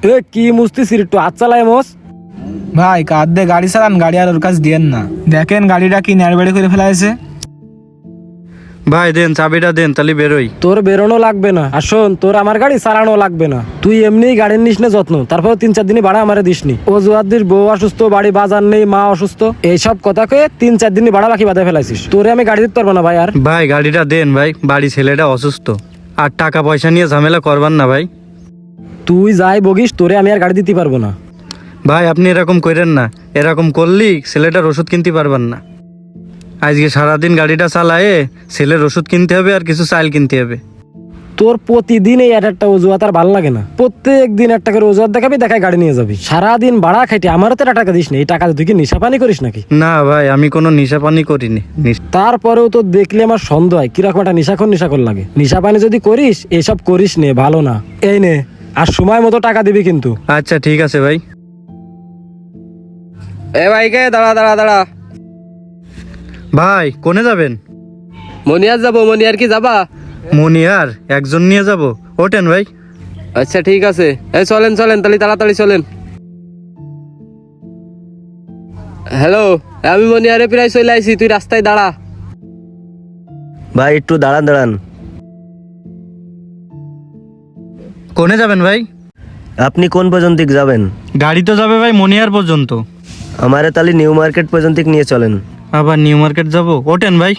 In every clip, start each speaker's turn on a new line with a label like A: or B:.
A: এ কি মুস্তিছিস একটু হাত চালায় মোস।
B: ভাই কাঁদ দিয়ে গাড়ি চালান, গাড়ি আর ওর কাছে দিয়েন না। দেখেন গাড়িটা কি নেড়বেড়ে করে ফেলাইছে।
C: ভাই দেন চাবিটা দেন, তাহলে বেরোই।
A: তোর বেরোনো লাগবে না, আর শোন তোর আমার গাড়ি চালানো লাগবে না। তুই এমনি গাড়ির নিস না যত্ন, তারপর 3-4 দিনই ভাড়া আমারে দিসনি। অজুহাত দিস বউ অসুস্থ, বাড়ি বাজার নেই, মা অসুস্থ, এইসব কথা কয়ে 3-4 দিনই ভাড়া বাকি বাঁধে ফেলাইছিস। তোরে আমি গাড়ি দিতে পারবো না ভাই। আর
C: ভাই গাড়িটা দেন ভাই, বাড়ি ছেলেটা অসুস্থ, আর টাকা পয়সা নিয়ে ঝামেলা করবার না ভাই।
A: তুই যাই বগিস, তোরে আমি আর গাড়ি দিতে পারবো না।
C: ভাই আপনি এরকম করেন না, এরকম করলেই ছেলেটার ওষুধ কিনতে পারবেন না। আজকে সারাদিন গাড়িটা চালায়ে ছেলের ওষুধ কিনতে হবে আর কিছু চাল কিনতে হবে।
A: তোর প্রতিদিন এই একটা অজুহাত আর ভালো লাগে না। প্রত্যেক দিন একটা করে অজুহাত দেখাবি, দেখায় গাড়ি নিয়ে যাবি। সারাদিন ভাড়া খাইতে আমারও তো টাকা দিস না। এই টাকা তুই কি নেশা পানি করিস নাকি?
C: না ভাই আমি কোনো নেশা পানি করিনি।
A: তারপরেও তো দেখলে আমার সন্দেহ হয় কিরকম একটা নেশাখোর লাগে। নেশা পানি যদি করিস এসব করিস নে, ভালো না। এই নে, আর সময় মতো টাকা দিবি কিন্তু।
C: আচ্ছা ঠিক আছে ভাই।
D: এ ভাই কে দাঁড়া দাঁড়া দাঁড়া।
C: ভাই কোনে যাবেন?
D: মনিয়ার যাবো। মনিয়ার কি যাবা?
C: মনিয়ার একজন নিয়ে যাব, ওঠেন ভাই।
D: আচ্ছা ঠিক আছে, এই চলেন চলেন তাহলে তাড়াতাড়ি চলেন। হ্যালো, আমি মনিয়ারে প্রায় চলে আইছি, তুই রাস্তায় দাঁড়া।
E: ভাই একটু দাঁড়ান দাঁড়ান।
C: কোনে যাবেন ভাই?
E: আপনি কোন পর্যন্ত যাবেন?
C: গাড়ি তো যাবে ভাই মনিয়ার পর্যন্ত।
E: আমারে তাহলে নিউ মার্কেট পর্যন্ত নিয়ে চলেন।
C: আবার নিউ মার্কেট যাব, ওঠেন ভাই।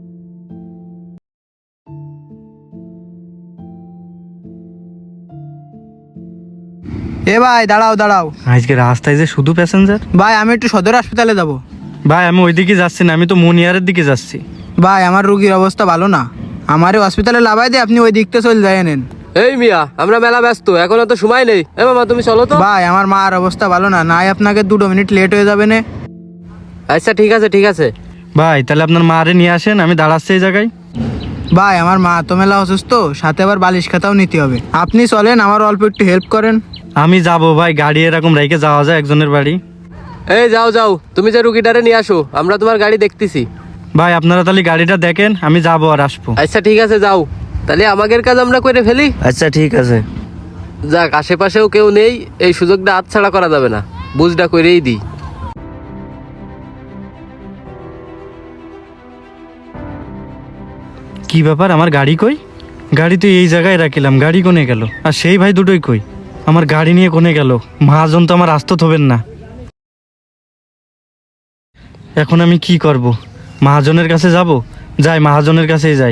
B: এ ভাই দাঁড়াও দাঁড়াও।
C: আজকে রাস্তায় যে শুধু প্যাসেঞ্জার।
B: ভাই আমি একটু সদর হাসপাতালে যাব।
C: ভাই আমি ওইদিকে যাচ্ছি না, আমি তো মনিয়ারের দিকে যাচ্ছি।
B: ভাই আমার রোগীর অবস্থা ভালো না, আমারে হসপিটালে লাভাই দিয়ে আপনি ওই দিকতে চলে যায় নেন।
D: এই মিয়া, আমরা মেলা ব্যস্ত, এখনো তো সময় নেই। এ মামা তুমি চলো তো।
B: ভাই আমার মার অবস্থা ভালো না, নাই আপনাকে 2 মিনিট লেট হয়ে যাবে না।
D: আচ্ছা ঠিক আছে ঠিক আছে।
C: ভাই তাহলে আপনার মারে নিয়ে আসেন, আমি দাঁড়াচ্ছি এই জায়গায়।
B: ভাই আমার মা তো মেলা অসুস্থ, সাথে আবার বালিশ খাতাও নিতে হবে। আপনি চলেন, আমার অল্প একটু হেল্প করেন।
C: আমি যাব ভাই, গাড়ি এরকম রেখে যাওয়া যায় একজনের বাড়ি?
D: এই যাও যাও, তুমি যে রুগীটারে নিয়ে আসো, আমরা তোমার গাড়ি দেখতেছি।
C: ভাই আপনারা তাহলে গাড়িটা দেখেন, আমি যাবো আর আসবো।
D: আচ্ছা ঠিক আছে যাও, তাহলে আমাদের কাজ আমরা করে ফেলি।
E: আচ্ছা ঠিক আছে।
D: যাক, আশেপাশেও কেউ নেই, এই সুযোগটা হাতছাড়া করা যাবে না, বুঝটা করেই দিই।
C: কি ব্যাপার, আমার গাড়ি কই? গাড়ি তো এই জায়গায় রাখিলাম, গাড়ি কোনে গেল? আর সেই ভাই দুটোই কই? আমার গাড়ি নিয়ে কোনে গেল? মহাজন তো আমার আস্ত হবেন না। এখন আমি কি করব? মহাজনের কাছে যাব? যাই, মহাজনের কাছেই যাই।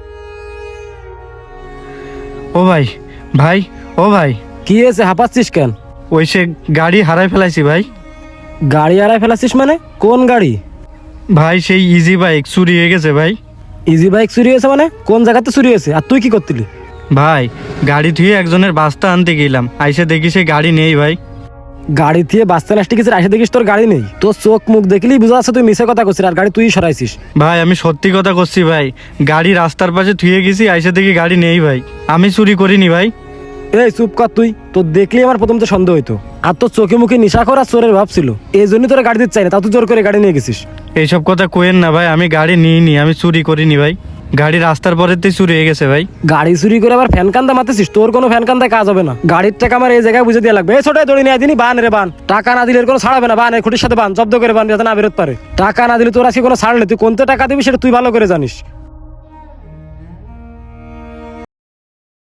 C: ও ভাই, ভাই, ও ভাই।
A: কি হয়েছে, হাঁপাচ্ছিস কেন?
C: ওই সে গাড়ি হারাই ফেলাইছি ভাই।
A: গাড়ি হারাই ফেলাছিস মানে? কোন গাড়ি?
C: ভাই সেই ইজি বাইক চুরি হয়ে গেছে ভাই।
A: ইজি বাইক চুরি হয়েছে মানে? কোন জায়গাতে চুরি হয়েছে? আর তুই কি করতিলি?
C: ভাই গাড়ি থুয়ে একজনের বাস্তা আনতে গেলাম, আইসে দেখি সে গাড়ি নেই ভাই।
A: গাড়ি থিয়ে বাস্তা নাস্তি কিছু আসে দেখিস তোর গাড়ি নেই? তোর চোখ মুখ দেখলেই বুঝা যাচ্ছে তুই মিছে কথা করছিস, আর গাড়ি তুই সরাইছিস।
C: ভাই আমি সত্যি কথা করছি ভাই, গাড়ি রাস্তার পাশে থুয়ে গেছি, আইসে দেখি গাড়ি নেই ভাই। আমি চুরি করিনি ভাই।
A: এই চুপ কর তুই, তোর দেখলেই আমার প্রথম তো সন্দেহ হইতো। আর তোর চোখে মুখে নিশা করা চোরের ভাব ছিল, এই জন্যই তোরা গাড়ি দিতে চাই না, তা তুই জোর করে গাড়ি নিয়ে গেছিস।
C: এইসব কথা কোয়েন না ভাই, আমি গাড়ি নিইনি, আমি চুরি করিনি ভাই। গাড়ি রাস্তার পরেতেই চুরি হয়ে গেছে ভাই।
A: গাড়ি চুরি করে আবার ফ্যান কান্দা মারতেছিস? তোর কোনো ফ্যান কান্দায় কাজ হবে না। গাড়ির টাকা আমার এই জায়গায় বুঝে দেওয়া লাগবে। এই ছোটাই দড়ি নিয়ে দিনই বান রে বান, টাকা না দিলে কোনো ছাড়াবে না। বান খুঁটির সাথে বান, জব্দ করে বান, যাতে না বেরোতে পারে। টাকা না দিলে তোর আজকে কোনো ছাড় নেই, তুই কোনতে টাকা দিবি সেটা তুই ভালো করে জানিস।